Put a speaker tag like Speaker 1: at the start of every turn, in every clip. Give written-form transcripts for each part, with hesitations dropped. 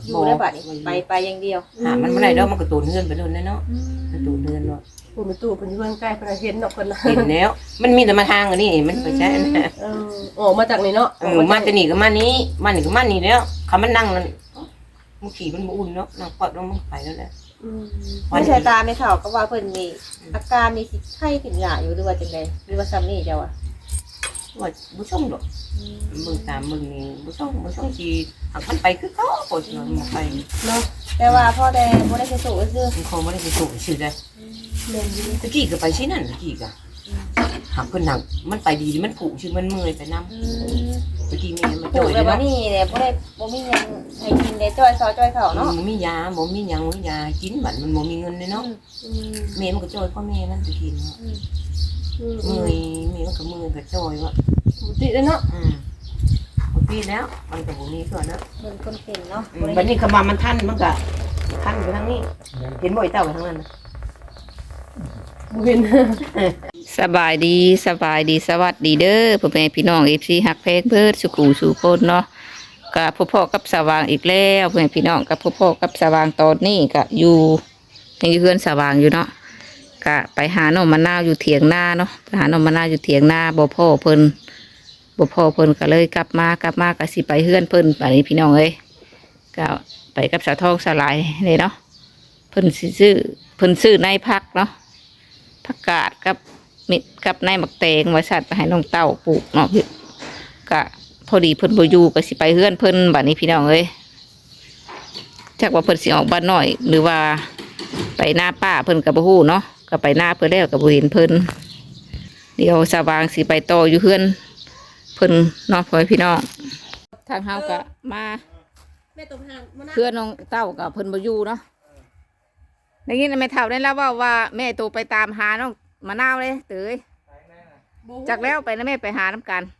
Speaker 1: อยู่ได้บัดนี้ไปอย่างเดียว
Speaker 2: มันบ่ได้ดอกมันก็ตูนเฮือนไปโดนเนาะมันตูนเฮือนเนาะ
Speaker 3: ผู้มีตู้เพิ่นอยู่เพิ่นใกล้เพิ่นเห็นเนาะเพิ่นน่ะ
Speaker 2: เห็นแล้วมันมีแต่มาทางอันนี้มันไปใช่นะ
Speaker 3: ออกมาจากนี่เนาะ
Speaker 2: มาแต่นี่ก็มานี้มานี่ก็มานี่แล้วคำมันนั่งนั่นมันขี่มันบ่อุ่นเนาะนั่งปอดลงมันไปแล้วแหละ
Speaker 1: ไม่ใช่ตาไม่เท่าก็ว่าเพิ่นมีอาการมีสิไข้ขึ้นหยาอยู่หรือว่าจังได๋หรือว่าซ้ำนี่เจ้าอ่ะ
Speaker 2: ว่าบ่ส่งดอกมึงตามมึงนี่บ่ส่งสิหักมันไปคือเขาปวดมันไป
Speaker 1: เนาะแต่ว่าพ่อแต่บ่ได้ไปสู่ซื่อ
Speaker 2: มันคงบ่ได้ไปสู่ชื่อได้
Speaker 1: แม่นอยู่
Speaker 2: ตะกี้ก็ไปสินั่นตะกี้ก็หักเพิ่นนั่งมันไปดีมันผูกชื่อมันเมื่อยไปนำตะกี้แม่มาจ่อย
Speaker 1: แล้วบัดนี้เนี่ยบ่มีหยังให้กินได้จ้อยซอจ้อยเขาเนาะ
Speaker 2: บ่มียาบ่มีหยังบ่มียากินบัดมันบ่มีเงินเลยเนาะแม่มันก็จ่อยพ่อแม่นั่นตะกี้เนาะเมื่อยแม่มันก็เมื่อยก็จ่อยว่า
Speaker 3: ติแล้วเนาะ
Speaker 2: ปีแล้วมันกับบุนี้ส่วนนะ
Speaker 1: เบิ่งคนเป็นเนาะ
Speaker 2: วันนี้ขมามันทันมันก็ทันไปทางนี้เห็นบ่อยเต่าไปทางนั้นนะ
Speaker 3: บ่เห็น
Speaker 4: สบายดีสวัสดีเด้อพ่อแม่พี่น้อง FC ฮักแพงเพิ่นสุขุสู่คนเนาะก็พ่อกับสว่างอีกแล้วพ่อแม่พี่น้องกับพ่อกับสว่างตอนนี้ก็อยู่ยังอยู่เพื่อนสว่างอยู่เนาะก็ไปหาหน่อมะนาวอยู่เถียงนาเนาะไปหาหน่อมะนาวอยู่เถียงนาบ่พ่อเพิ่นก็เลยกลับมาก็สิไปเฮือนเพิ่นบัดนี้พี่น้องเอ้ยก็ไปกับสาวทองสลายเลยเนาะเพิ่นซื้อในพักเนาะผักกาดกับในหมักแตงไว้สัตว์ไปให้น้องเต้าปลูกเนาะก็พอดีเพิ่นบ่อยู่ก็สิไปเฮือนเพิ่นบัดนี้พี่น้องเอ้ยจักว่าเพิ่นสิออกบ้านน้อยหรือว่าไปหน้าป้าเพิ่นก็บ่ฮู้เนาะก็ไปหน้าเพิ่นแล้วก็บ่เห็นเพิ่นเดี๋ยวสว่างสิไปต่ออยู่เฮือนเพิ่นเนาะพ่อพี่น้องทางเฮาก็มาเพื่อนน้องเต้ากับเพิ่นบ่อยู่เนาะได้ยินแม่เฒ่าได้แล้วว่าแม่โตไปตามหาน้องมะนาวเลยเตยจากแล้วไปนะแม่ไปหาน้ำกัน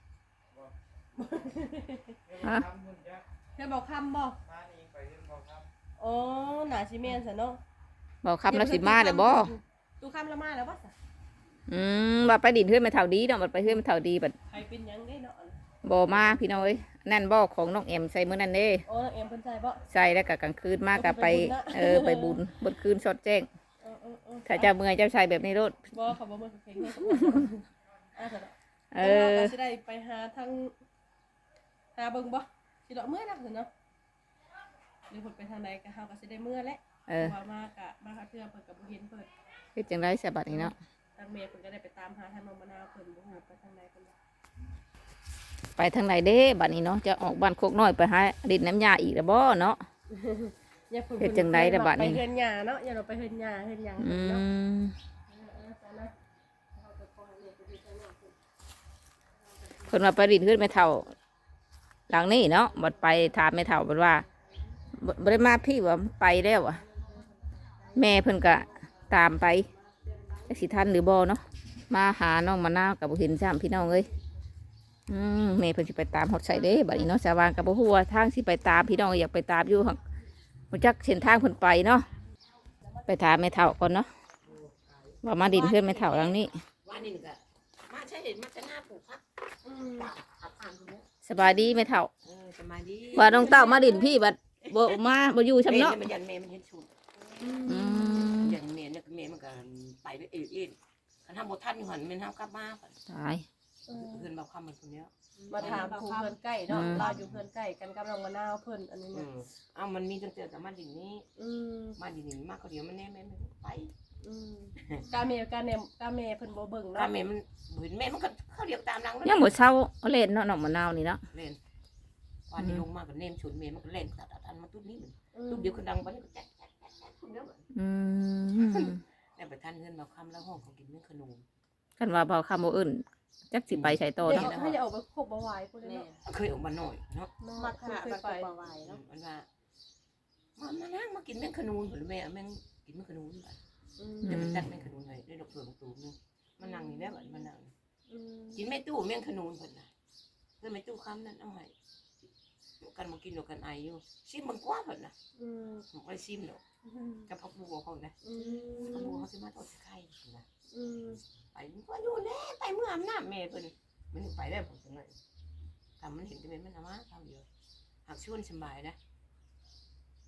Speaker 3: ฮะแค่บอกคำบ่โอ้หนาชิเมนซะเนาะ
Speaker 4: บอกคำแล้วสิมาเดี๋ยวบ่
Speaker 3: ตู้คำละมาแล้วบ่
Speaker 4: ว่าไปดินเฮือนแม่เฒ่าดีเนาะบัดไปเฮือนแม่เฒ่าดีบัด
Speaker 3: ใครเป็นยังได้เนาะ
Speaker 4: บ่มาพี่น้อยนั่นบ่ของน้องแอมใส่มื้อนั้นเด้
Speaker 3: โอ้น้องแอมเพิ่นใส่บ่
Speaker 4: ใส่แล้วก็กลางคืนมาก็ไปไปบุญบนคืนสดแจ้งถ้าเจ้าเมื่อยเจ้าใส่แบบนี้โลด
Speaker 3: บ่เขาบ่เมื่อยเพลงเนี่ยสิได้ไปหาทั้งหาเบิ่งบ่สิดอกเมื่อนักเนาะหรือเพิ่นไปทางใดก็เฮาก็สิได้เมื่อแหละว่ามาเทื่อเพิ่นก็บ่เห็นเพิ่น
Speaker 4: เฮ็ดจังได๋ซะบัดนี้เนาะ
Speaker 3: ทางแม่เพิ่นก็ได้ไปตามหาทางน้องมะนาวเพิ่นบ่ฮู้ไปทางใดเพิ่น
Speaker 4: ไปทางไหนเด้บัดนี้เนาะจะออกบ้านโคกน้อยไปหาดินน้ำยาอีกแล้วบ่เนาะเฮ็ดจังได๋ล่ะบัดนี้
Speaker 3: ไปเฮือนหญ้าเนาะอย่าเราไปเฮือนหญ้าเฮือนหยังเนาะ
Speaker 4: เพิ่นว่าไปดินขึ้นแม่เฒ่าหลังนี้เนาะบัดไปถามแม่เฒ่าบัดว่าบ่ได้มาพี่ว่าไปแล้วอ่ะแม่เพิ่นก็ตามไปจักสิทันหรือบ่เนาะมาหาน้องมะนาวก็บ่เห็นซ้ำพี่น้องเอ้ยแม่เพิ่นสิไปตามฮอดใส่เด้บัดนี้เนาะสว่างกับบ่ฮู้ว่าทางสิไปตามพี่น้องอยากไปตามอยู่หั่นบ่จักเส้นทางเพิ่นไปเนาะไปถามแม่เฒ่าก่อนเนาะว่ามาดินเพื่อนแม่เฒ่าหลังนี้
Speaker 2: มาใช่เห็นมาจะหน้าปลูกพัก
Speaker 4: สบายดีแม่เฒ่า
Speaker 2: สบายดี
Speaker 4: ว่าน้องเต้ามาดินพี่บัดบ่มาบ่อยู่ซ้ำเนาะ
Speaker 2: มันยันแม่มันเห็นชุดยันแม่เนี่ยแม่มันก็ไปด้วยเอ็นคันทำบ่ทันอยู่หั่นแม่นเฮากลับมา
Speaker 4: ตาย
Speaker 2: เพิ่นบอกคำมันคนเนี้ย
Speaker 3: มาถามผู้เพื่อนใกล้เนาะเราอยู่เพื่อนใกล้กันกับน้องมะนาวเพิ่นอันนี้เนี่ย
Speaker 2: มันมีตั้งแต่กับมาดินนี้มาดินนี้มากก็เดี๋ยวมันแน่แม่ไป
Speaker 3: กาเมเพิ่นบ่เบิ่งเนาะ
Speaker 2: กาเมมันเห็นแม่มันก็เขาเรียกตามหลัง
Speaker 4: ยังบ่เช้าเล่นเนาะน้องมะนาวนี่เนาะ
Speaker 2: เล่นวันนี้ลงมากับเนมชุนแม่มันก็เล่นตัดมาตุ๊บนี้ตุ๊บเดียวคนดังไปแจ๊กแล้วไปท่านเงินมาคำแล้วห้องเขากินเนื้อขนม
Speaker 4: กันว่าเบาคำบ่อื่นจักสิไปใช้ต่อเนาะ
Speaker 3: ถ้าจะออกไปโคกบ่ไหวพุ่นเนาะ
Speaker 2: เคยออกมาหน่อยเนาะ
Speaker 1: มาค่ะบ่ไหวเนาะ
Speaker 2: มันว่ามานั่งมากินเนื้อขนมหรือแม่แม่กินเนื้อขนมแบบเดี๋ยวมันจัดเนื้อขนมเลยได้ดอกเผือกตูมนึงมันนั่งนี่แล้วมันนั่งกินไม่ตู้เมี่ยงขนมเพิ่นน่ะเพื่อนไม่ตู้คำนั้นเอาให้กันมากินดอกกันไออยู่ชิมมันกว่าเพิ่นน่ะมันไปชิมดอกกับพักบัวเขานะพักบัวเขาสิมาทอดไข่นะไปมันก็อยู่แน่ไปเมื่ออำนาจแม่เพิ่นมันไปได้ผมจังเลยทำมันเห็นแต่มันเอามาเท่าเดียวหากชวนสบายนะ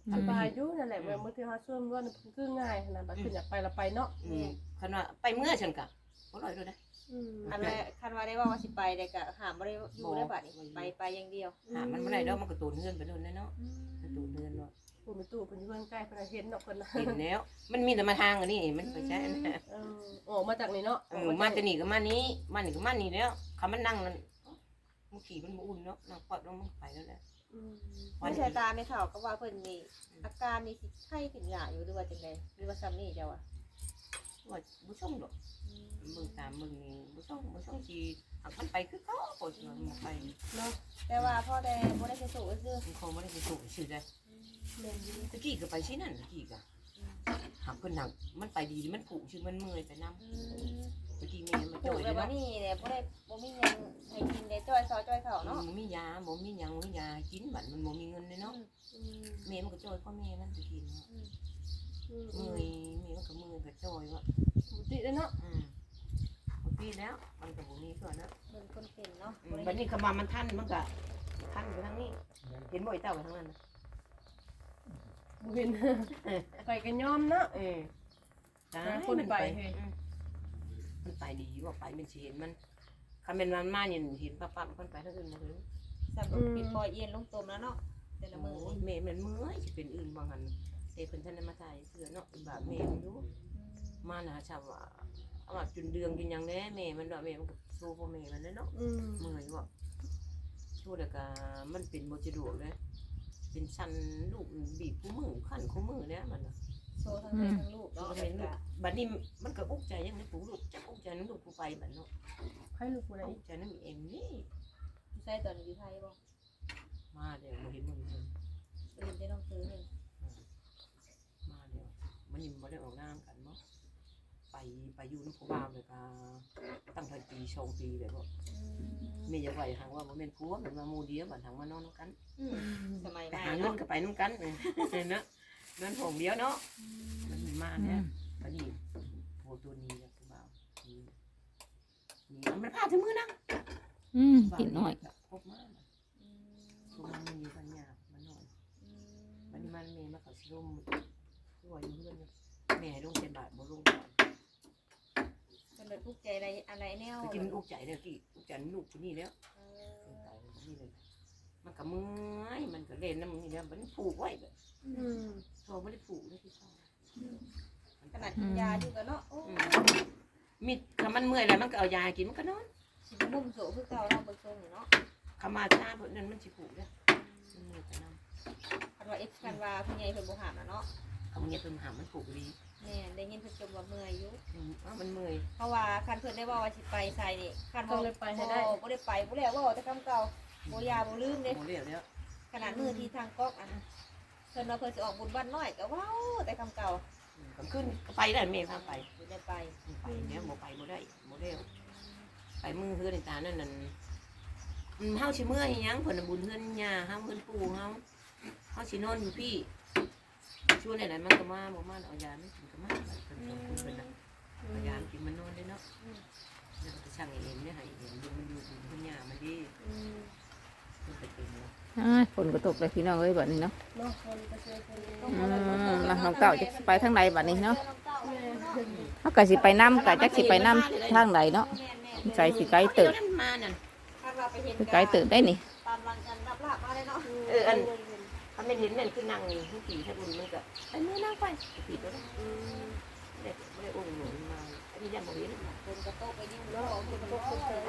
Speaker 3: สบายอยู่นั่นแหละเมื่อที่เฮาช่วยว่ามันคือง่ายขนาดบัดขึ้นอยากไปเราไปเนาะ
Speaker 2: คันว่าไปเมื่อฉันกะบ่ร่อยด้วยนะ
Speaker 1: อันแรกคันว่าได้ว่าสิไปได้ก็หามบ่ได้อยู่ได้บัดนี้ไปอย่างเดียว
Speaker 2: หามันบ่ได้ดอกมันก็ตูนเฮือนไปโดนเนาะมันตูนเฮือนเนาะ
Speaker 3: ผู้มีตู้เพิ่นอยู่เพิ่นใกล้เพิ่นเห็นเนาะเพิ่นน่ะ
Speaker 2: เห็นแล้วมันมีแต่มาทางอันนี้มันไปใช้อันนั้น
Speaker 3: ออกมาจากนี่เนาะ
Speaker 2: มาจะนี่ก็มานี้มานี่ก็มานี่แล้วคำมันนั่งนั่นมันขี่มันบ่อุ่นเนาะนั่งปอดลงมันไปแล้วแหละ
Speaker 1: ไม่ใช่ตาไม่เท่าก็ว่าเพิ่นนี่อาการนี่สิไข้ขึ้นหยาอยู่หรือว่าจังไดหรือว่าซ้ำนี่เจ้าอ่ะ
Speaker 2: ว่าบ่ส่งดอกมึงตามมึงนี่บ่ส่งสิหักมันไปคือเขาโคตรมันไป
Speaker 3: เนาะ
Speaker 1: แต่ว่าพ่อได้บ่ได้ไปสู่ก็คือ
Speaker 2: มันคงบ่ได้ไปสู่ชื่อได้
Speaker 3: แม่นอยู่
Speaker 2: ตะกี้ก็ไปที่นั่นตะกี้ก็หักเพิ่นหักมันไปดีมันผูกชื่อมันเมื่อยไปนำตะกี้แม่มา
Speaker 1: ป
Speaker 2: จ่
Speaker 1: ลู
Speaker 2: อก ย
Speaker 1: แล้วบ่
Speaker 2: เนาะ
Speaker 1: นี่เนี่ยบ่มีหยังให้กินได้จ้อยซอจ้อยเข่าเนาะ
Speaker 2: บ่มียาบ่มีหยังบ่มียากินบัดมันบ่มีเงินเลยเนาะแม่มันก็จ่อยพ่อแม่มันตะกี้เนาะเมื่อยแม่มันก็เมื่อยก็จ่อยว่า
Speaker 3: ติเนาะ
Speaker 2: บางทีแล้วมันกับบุมีส่วนนะ
Speaker 1: เบิ่งคนเป็นเนาะ
Speaker 2: บัดนี้ขมามันท่านมันก็ท่านไปทางนี้ เห็นบ่อยเต้าไปทางนั้นนะ
Speaker 3: บ่เห็นไปกันยอมเนาะ
Speaker 2: คนไปมันไปดีว่าไปเป็นเห็นมันคำเป็นมันมาเนี่ยเห็นปั๊บมันไปทางอื่นมาเลย
Speaker 1: สำหรับปิดปอยเอียนลงตมแล้วเนาะแต่ละมื้อ
Speaker 2: เมย์มันเมื่อยจะเป็นอื่นบางหันเตะเพิ่นท่านมาถ่ายเสือเนาะบาเมย์มันรู้มาหนาชาวว่าเอามาจุนเดืองกินยังแน่เมย์มันดอกเมย์มันก็สู้พ่อเมย์มันเนาะเมื่อยว่าช่วยเด็กมันเป็นโมจิโดเลยเป็นชันลูกบีบคู่มือขันคู่มือเนี่ยมัน
Speaker 1: โซทั้งแม่ทั้งลูก
Speaker 2: เรา
Speaker 1: เนาะ
Speaker 2: เห็นบัดนี้มันก็อุกใจยังในปู่ลูกจักอุกใจน้ำลูกกูไปบัดเนาะ
Speaker 3: ให้ลูกผู้ใด
Speaker 2: อุกใจน้ำเอ็มนี่
Speaker 1: ใส่ตอนอยู่ไทยบ่
Speaker 2: มาเดี๋ยวมาเห็นมึง
Speaker 1: ตื่นได้ต้องซื้อนึง
Speaker 2: มาเดี๋ยวมันยิ่งมาได้ออกน้ำกันเนาะไปอยู่น้ำผู้บ่าวเลยก็ตั้งแต่ปีชงปีเลยก็ไม่อยากไหวทางว่ามันเป็นผัวมันมาโมเดียวบัดทางมานอนกัน
Speaker 1: สมัย
Speaker 2: ไป
Speaker 1: ใหม่
Speaker 2: หาเงิน
Speaker 1: เนาะ
Speaker 2: ก็ไปน้ำกันเนาะเงินผงเดียวเนาะมันมาเนี่ยบัดนี้โผล่ตัวนี้แล้วผู้บ่าวนี่มันพาถึงมือนะ
Speaker 4: กินน้อย
Speaker 2: พบมาพบมามันมีปัญญามันหน่อยมันเมย์มาเขาชิลมรวยอยู่เพื่อนแม่ลงเป็นบาทบ่ลงก่อน
Speaker 1: มันเป็นทุกข์ใจอะไรแนว
Speaker 2: ตะกี้มันอุกใจแล้วกี่อุกใจลูกคนนี้แล้วนี่เลยมันก็เมื่อยมันก็เล่นน้ำนี่แล้วมันผูกไว้แบบโทรไม่ได้ผูกเลยที่เขา
Speaker 1: ขนาดกินยาอยู่กันเนาะโอ้
Speaker 2: มิดคำมันเมื่อยแล้วมันก็เอายากินมันก็นอน
Speaker 1: สิมุ่มโสคือเก่าเราเบิ่งทรงอยู่เนาะ
Speaker 2: คำมาชาพวกนั้นมันสิผูกแล้วมันเมื่อยแต่น้ำ
Speaker 1: คันว่าคันว่าผู้ใหญ่เพิ่นบ่หามน่ะเนาะ
Speaker 2: คำเงี้ยเพิ่มหามันผูกดี
Speaker 1: แม่ได้ยินเพิ่นจมว่าเมื่อยอยู่
Speaker 2: มันเมื่อย
Speaker 1: เพราะว่าคันเพิ่นได้ว่าสิไปใส่นี่คัน
Speaker 3: ต้องเลยไปให้ได้
Speaker 1: บ่ได้ไปบ่แล้วว่าแต่คำเก่าบ่ยาบ่ลืมเด้
Speaker 2: โมเรียวแล้ว
Speaker 1: ขนาดมือที่ทางก๊อกอันเพิ่นว่าเพิ่นสิออกบุญบ้านน้อยก็ว้าวแต่คำเก่า
Speaker 2: ก็ขึ้นไปได้เมย์พาไป
Speaker 1: บ่ได้ไป
Speaker 2: ไปเนี่ยโมไปโมได้โมเร็วไปมือเฮือนในตานั่นนั่นเฮาชิเมื่อยยังผลบุญเฮือนยาเฮาเฮือนปู่เฮาชินอนอยู่พี่ช่วยไหนมันก็มาบ่มาเอายาไม่กินก็มาเพิ่นน่ะเอายากินมันนอนได้เนาะนั่นก็ช่างเองเนี่ยให้เห็นดูมันอยู่เฮือนยามันดีมันไปเป็นเนาะ
Speaker 4: ฝนก็ตกเลยพี่น้องเอ้ยบัดนี้เนาะ
Speaker 3: เนาะคนก็ช่วยคนเอง
Speaker 4: น้องเต่าจะไปทางใดบัดนี้เนาะเขาก็สิไปน้ำก็จักสิไปน้ำทางใดเนาะใจสิไกลเติบ
Speaker 2: มานั่น
Speaker 1: คันว่าไปเห็น
Speaker 4: ไกลเติบได้นี่
Speaker 1: ตามรังกันรับลาบมาเลยเนาะ
Speaker 2: อันถ้าไม่เห็นนั่นคือนั่งนี่ผู้ผีถ้าบุญมันก็ไปมือนั่งไปผีตัวนั้นไม่ได้องค์หนุนมาอันนี้ยังบ่เห็น
Speaker 1: เพิ่นก็โตไปยิ่งเนาะเพิ่นก็โตไปเลย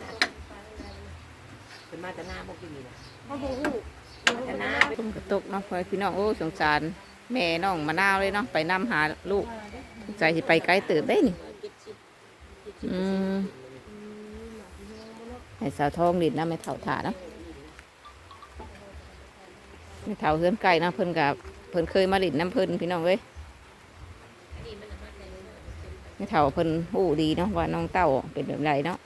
Speaker 2: เป็นมาแต่หน้าบ่กินนี่นะ
Speaker 3: เขาบ่ฮู้
Speaker 2: แต่หน้า
Speaker 4: ฝนก็ตกเนาะพ่อพี่น้องโอ้สงสารแม่น้องมะนาวเลยเนาะไปนำหาลูกใจสิไปไกลเติบได้นี่ให้สาวทองดินนะไม่เท่าถาเนาะไม่เท่าเฮือนไก่นะเพิ่นกับเพิ่นเคยมาดินน้ำเพิ่นพี่น้องเว้ยไม่เท่าเพิ่นหู้ดีเนาะว่าน้องเต้าเป็นแบบไรเนาะ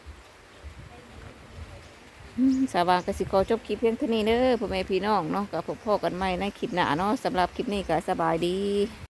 Speaker 4: สาวางกสิกรจบคลิปเพียงเท่านี้เด้อพ่อแม่พี่น้องเนาะกับพ่อกันใหม่ในคลิปหน้าเนาะสำหรับคลิปนี้ก็สบายดี